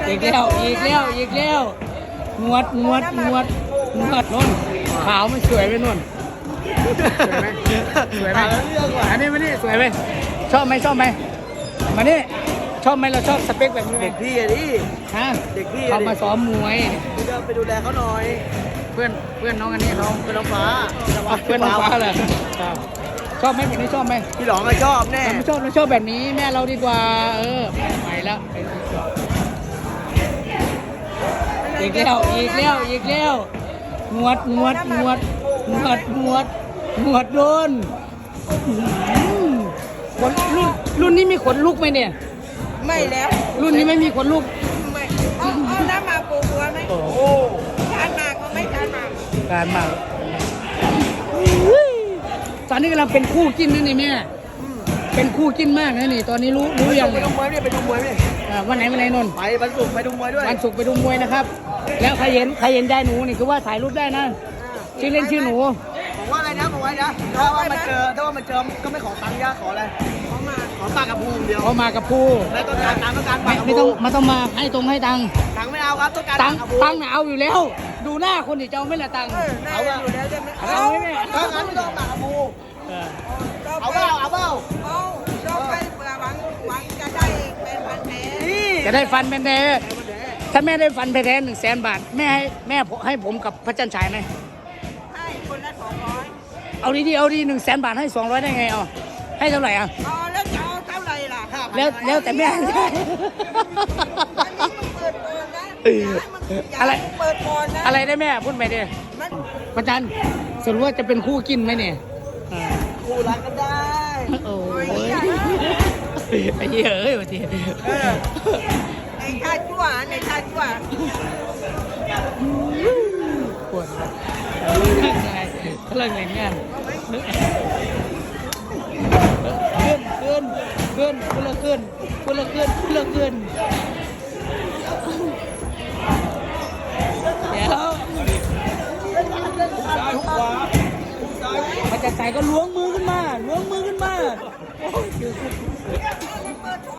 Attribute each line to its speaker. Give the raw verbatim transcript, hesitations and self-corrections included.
Speaker 1: อีกแล้วอีกแล้วอีกแล้วงวดงวดงวดงวดนุ่นขาวมันสวยไหมนุ่นสวยไหมสวยไหมอันนี้มานี่สวยไหมชอบไหมชอบไหมมานี่ชอบไหมเราชอบสเปคแบบนี้ไหม
Speaker 2: เด็กพี่อะดิ
Speaker 1: ฮะ
Speaker 2: เด็กพี่
Speaker 1: เขามาซ้อมมวย
Speaker 2: พี่ก็ไปดูแลเขาหน่อย
Speaker 1: เพื่อนเพื่อนน้องอันนี้น้อง
Speaker 2: เป็นน้องฟ้า
Speaker 1: เพื่อนน้องฟ้าเลยชอบไหมแบบนี้ชอบไหม
Speaker 2: พี่หลองก็ชอบแน่
Speaker 1: แต่ไม่ชอบเราชอบแบบนี้แม่เราดีกว่าเออไปแล้วอีกแล้วอีกแล้วอีกแล้วงวดงวดงวดงวดงวดงวดโดนขนรุ่นรุ่นนี้มีขนลุกไหมเนี่ย
Speaker 3: ไม่แล้ว
Speaker 1: รุ่นนี้ไม่มีขนลุก
Speaker 3: ไม่เอาเอาน้ำมาปูหัวไหม
Speaker 1: โอ้โห
Speaker 3: ทานมากก็ไม่ทานมาก
Speaker 1: การมากตอนนี้กำลังเป็นคู่จิ้นนะนี่แม่เป็นคู่จิ้นมากนะนี่ตอนนี้รู้รู้ยัง
Speaker 2: ไปดูมวยเนี่ยไปดูมวยเนี่ย
Speaker 1: อ่าวันไหนวันไหนนนท์
Speaker 2: ไปวันศุกร์ไปดูมวยด้วย
Speaker 1: วันศุกร์ไปดูมวยนะครับ แล้วใครเห็นใครเห็นได้หนูนี่คือว่าถ่ายรูปได้นะชื่อเล่นชื่อหนู
Speaker 2: บอกว่าอะไรนะบอกว่านะถ้าว่ามันเจอถ้าว่ามันเจอก็ไม่ขอตังค์ยาขออะไร
Speaker 3: เอามา
Speaker 2: ขอปากกับภูมิเดียว
Speaker 1: เขามากับผู้
Speaker 2: แล้วต้องการตังค์ต้องการ
Speaker 1: ไม่
Speaker 2: ปากกับ
Speaker 1: ไม่
Speaker 2: ภู
Speaker 1: ต้อง
Speaker 2: มิ
Speaker 1: มาต้องมาให้ตรงให้ตังค์
Speaker 2: ตังค์ไม่เอาครับต้องการ
Speaker 1: ตังค์
Speaker 2: ปากกับภูมิ
Speaker 1: ตังค์น่ะเอาอยู่แล้ว ดูหน้าคนที่จะเอาไม่ละตังค์
Speaker 3: เออน่าจะอยู่แล้วใช่ไหม
Speaker 1: เอาไหมแม่
Speaker 2: ถ้างั้นไม่ต้องเอาปากกับภูมิ
Speaker 1: เออ
Speaker 2: เอาเปล่าเอาเปล่า
Speaker 3: เอาเราไปเผื่อหวังหวังจะได้เป็นพันแผล
Speaker 2: นี่
Speaker 1: จะได้ฟันเป็นแท้ถ้าแม่ได้ฟันไปแท้หนึ่งแสนบาทแม่ให้แม่ให้ผมกับพระจันทร์ฉายไหม
Speaker 3: ให้คนละสองร้อย
Speaker 1: เอาดีๆเอาดีหนึ่งแสนบาทให้สองร้อยได้ไงเอาให้เท่าไหร่อ่ะ
Speaker 3: อ๋อแล้วจะเอาเท่าไหร่ล่ะ
Speaker 1: แล้วแล้วแต่แม่
Speaker 3: อันนี้มึงเปิดโปนนะอย่าให้มันอย่า
Speaker 1: อะไร
Speaker 3: ให้มึงเปิดโปนนะ
Speaker 1: อะไรได้แม่พูดไปดิ
Speaker 3: มัน
Speaker 1: พระจันทร์สรุปว่าจะเป็นคู่กินไหมเนี่ยอ่า
Speaker 2: คู่รักกันได้
Speaker 1: โอ้ยไอ้เหี้ยเอ้ยวันที
Speaker 3: ในชาติชั่วในชาติชั่ว
Speaker 1: ปวดกำลังเล่นงานขึ้นขึ้นขึ้นคนละขึ้นคนละขึ้นคนละขึ้นเดี๋ยวมันจะใส่ก็ล้วงมือขึ้นมาล้วงมือขึ้นมาโอ้ย